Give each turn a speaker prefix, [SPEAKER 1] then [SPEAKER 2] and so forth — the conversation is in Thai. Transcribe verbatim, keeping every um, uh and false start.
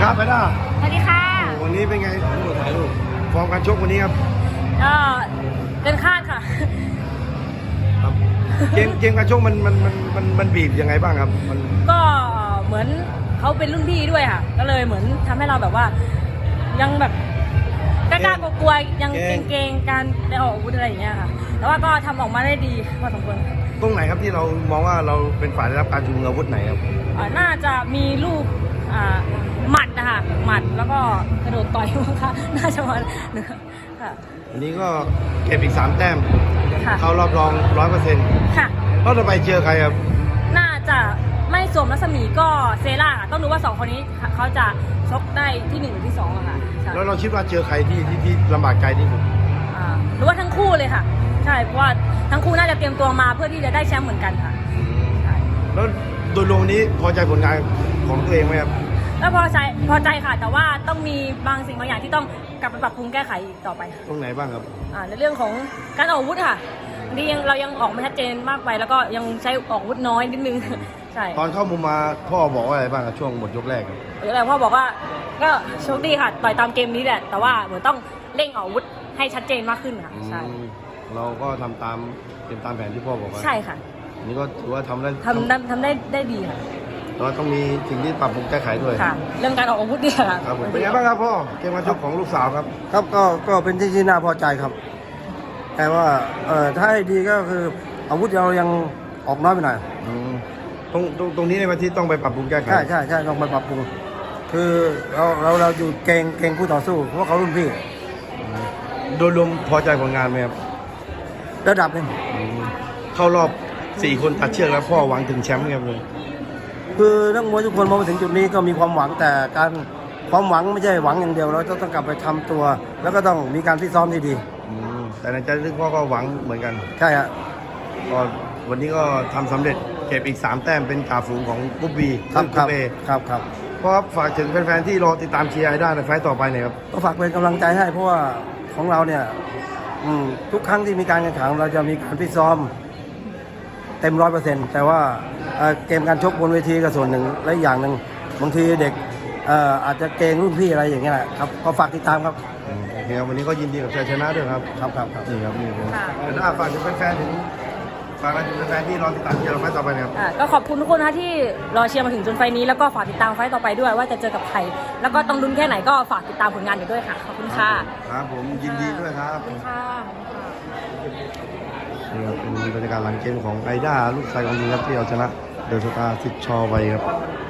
[SPEAKER 1] ครับไปด้า
[SPEAKER 2] สวัสดีค่ะ
[SPEAKER 1] วันนี้เป็นไงถ่ายรูปฟอร์มการชกวันนี้ครับ
[SPEAKER 2] ก็เกินคาดค่ะ
[SPEAKER 1] ครับเกมเกมการชกมันมันมันมันมันบีบยังไงบ้างครับมัน
[SPEAKER 2] ก็เหมือนเขาเป็นรุ่นพี่ด้วยค่ะก็เลยเหมือนทำให้เราแบบว่ายังแบบกล้ากลัวๆยังเกรงๆการได้ออกอาวุธอะไรอย่างเงี้ยค่ะแต่ว่าก็ทำออกมาได้ดีพอสมควร
[SPEAKER 1] ตรงไหนครับที่เรามองว่าเราเป็นฝ่ายได้รับการชูมืออาวุธไหนครับ
[SPEAKER 2] น่าจะมีลูกหมัดนะคะหมัดแล้วก็กระโดดต่อยมั้งคะน่าจะมาค่ะ
[SPEAKER 1] วันนี้ก็เก็บอีกสามแต้มเข้ารอบรองร้อยเปอร์เซ็นต์
[SPEAKER 2] ค่ะ
[SPEAKER 1] รอบต่อไปเจอใครครับ
[SPEAKER 2] น่าจะไม่สวมรัศมีก็เซร่าต้องดูว่าสองคนนี้เขาจะชกได้ที่หนึ่งหรือที่สองอะค่ะ
[SPEAKER 1] แล้วเราคิดว่าเจอใครที่ที่ที่ลำบากใจที่สุด
[SPEAKER 2] หรือว่าทั้งคู่เลยค่ะใช่เพราะว่าทั้งคู่น่าจะเตรียมตัวมาเพื่อที่จะได้แชมป์เหมือนกันค่ะ
[SPEAKER 1] แล้วโดยรวมนี้พอใจผลงานของตัวเองไหมครับ
[SPEAKER 2] ก็พอใจพอใจค่ะแต่ว่าต้องมีบางสิ่งบางอย่างที่ต้องกลับไปปรับปรุงแก้ไขต่อไป
[SPEAKER 1] ตรงไหนบ้างครับ
[SPEAKER 2] ในเรื่องของการออกอาวุธค่ะนี่ยังเรายังออกไม่ชัดเจนมากไปแล้วก็ยังใช้ออกอาวุธน้อยนิดนึงใช่
[SPEAKER 1] ตอนเข้ามุมมาพ่อบอกว่าอะไรบ้างครับช่วงหมดยกแรก
[SPEAKER 2] ยกแรกพ่อบอกว่าก็โชคดีค่ะต่อยตามเกมนี้แหละแต่ว่าเหมือนต้องเร่งออกอาวุธให้ชัดเจนมากขึ้นค่ะใช่
[SPEAKER 1] เราก็ทำตามเป็นตามแผนที่พ่อบอกว่า
[SPEAKER 2] ใช่ค่ะ
[SPEAKER 1] นี่ก็ถือว่าทำได้
[SPEAKER 2] ทำทำได้ได้ดีค่ะ
[SPEAKER 1] แต่ว่าต้องมีสิ่งที่ปรับปรุงแก้ไขด้วย
[SPEAKER 2] ค่ะเรื่องการออกอาวุธนี่ค่ะ
[SPEAKER 1] ครับเป็นไงบ้างครับพ่อเกมการชกของลูกสาวครับ
[SPEAKER 3] ครับก็ก็เป็นที่ที่น่าพอใจครับแต่ว่าเอ่อถ้าให้ดีก็คืออาวุธเรายังออกน้อยไปหน่อย
[SPEAKER 1] ตรงตรงตรงนี้ในวันที่ต้องไปปรับปรุงแก้ไข
[SPEAKER 3] ใช่ใช่ใช่ต้องไปปรับปรุงคือเราเราเราอยู่เก่งเก่งคู่ต่อสู้เพราะเขารุ่นพี่
[SPEAKER 1] โดยรวมพอใจผลงานไหมครับ
[SPEAKER 3] ระดับหนึ่ง
[SPEAKER 1] เข้ารอบสี่คนตัดเชือกแล้วพ่อหวังถึงแชมป์ครับเลย
[SPEAKER 3] คือนักมวยทุกคนมองมาถึงจุดนี้ก็มีความหวังแต่การความหวังไม่ใช่หวังอย่างเดียวเราต้องกลับไปทำตัวแล้วก็ต้องมีการฟิตซ้อมที่ดี
[SPEAKER 1] แต่ในใจลึกพ่อก็หวังเหมือนกัน
[SPEAKER 3] ใช่ฮะ
[SPEAKER 1] ก็วันนี้ก็ทำสำเร็จเก็บอีกสามแต้มเป็นจ่าฝูงของกุ๊บบี
[SPEAKER 3] ครับครับครับครับ
[SPEAKER 1] เพราะฝากถึงแฟนๆที่รอติดตามเชียร์ไอด้าในไฟต์ต่อไปเนี่ยครับ
[SPEAKER 3] ก็ฝากเป็นกำลังใจให้เพราะว่าของเราเนี่ยทุกครั้งที่มีการแข่งขันเราจะมีการฟิตซ้อมเต็มร้อยเปอร์เซ็นต์แต่ว่าเกมการชกบนเวทีก็ส่วนหนึ่งและอย่างหนึ่งบางทีเด็กอาจจะเกรงรุ่นพี่อะไรอย่างเงี้ยแหละครับก็ฝากติดตามครับ
[SPEAKER 1] โอเคครับวันนี้ก็ยินดีกับชัยชนะด้วยครับ
[SPEAKER 3] ครับครับครับ
[SPEAKER 1] นี่ครับนี่ครับถ้าฝากถึงแฟนๆถึงฝากถึงแฟนๆที่รอติดตามเชียร์เราไฟต์ต่อไปครับ
[SPEAKER 2] ก็ขอบคุณทุกคนนะที่รอเชียร์มาถึงจนไฟนี้แล้วก็ฝากติดตามไฟต์ต่อไปด้วยว่าจะเจอกับใครแล้วก็ต้องลุ้นแค่ไหนก็ฝากติดตามผลงานอยู่ด้วยค่ะขอบคุณค่ะ
[SPEAKER 1] ครับผมยินดีด้วยครับ
[SPEAKER 2] ขอบคุณค่ะ
[SPEAKER 1] นี่ครับเป็นบรรยากาศหลังเกมของไอด้าลูกชายของยิงครับที่เอาชนะเดอะสตาร์สิทธิ์ชอไปครับ